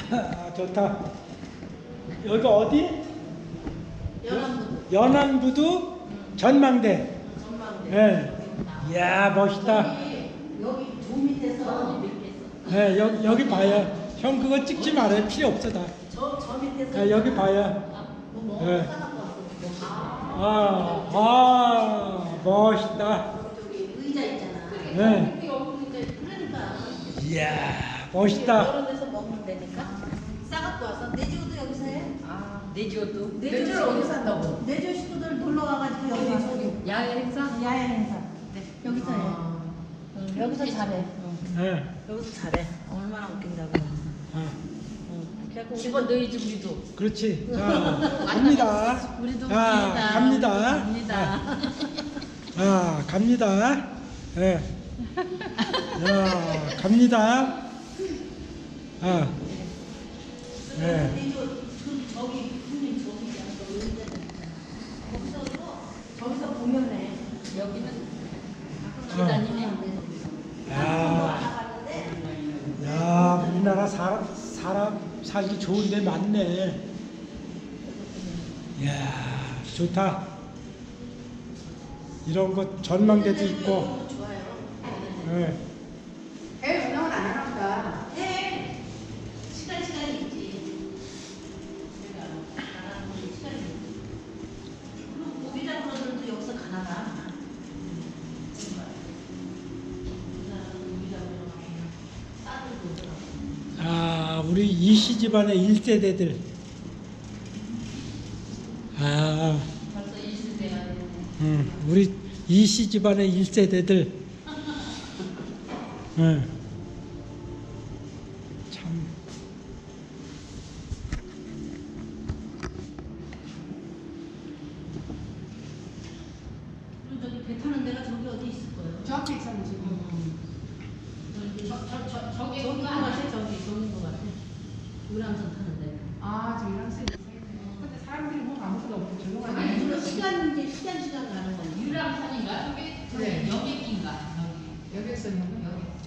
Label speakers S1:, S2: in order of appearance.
S1: 아, 좋다. 여기 어디? 연안부두 전망대.
S2: 전망대.
S1: 예. 이야, 멋있다.
S2: 여기 조 밑에서
S1: 예, 여기 봐요. 형 그거 찍지 말아요. 필요 없어 다.
S2: 저 밑에서
S1: 예, 여기 봐요. 예. 멋있다.
S2: 저기 의자 있잖아.
S1: 네.
S2: 그러니까.
S1: 이야, 멋있다.
S2: 여러 데서 먹으면 되니까. 싸갖고 와서 내지우도 여기서 해.
S3: 내지어도?
S2: 내지우
S3: 어디서 한다고?
S2: 내지우 식구들 놀러 와가지고 여기 저기
S3: 야외 행사?
S2: 야외 행사. 여기서 해. 여기서 잘해.
S1: 예.
S2: 여기서 잘해. 얼마나 웃긴다고. 그래갖고
S3: 집어 넣어야지 우리도.
S1: 그렇지. 자, 갑니다.
S3: 우리도
S1: 자, 갑니다.
S3: 갑니다.
S1: 자, 갑니다. 예. 자, 갑니다. 아. 예.
S2: 내지우 저기 형님 저기 의자 저기서 보면 해.
S3: 여기는
S1: 어.
S3: 다니네.
S1: 야, 우리나라 사람 살기 좋은 데 많네. 이야, 좋다. 이런 거 전망대도 있고.
S2: 좋아요.
S1: 예.
S4: 애 운영은 안 하나 보다.
S2: 네. 시간이 있지. 내가 나가는 시간이 있지. 그리고 고기장 프로들도 여기서 가나봐.
S1: 아, 우리 이씨 집안의 1세대들. 아,
S3: 벌써 20대가
S1: 우리 이씨 집안의 1세대들. 참.
S2: 그리고 저기 배 타는 데가 저기 어디 있을 거예요?
S4: 저 앞에 있었는 지금.
S2: 저기 것 같아. 저기인 것 같아. 유람선 타는데.
S4: 아, 저 이런 쌤 있어요. 근데 사람들이 뭐 아무것도 없고 조용하게.
S2: 아니 물론 시간 가는 거야.
S3: 유람선인가? 저게
S4: 네.
S3: 여객인가?
S4: 여기에서 있는 거 여기.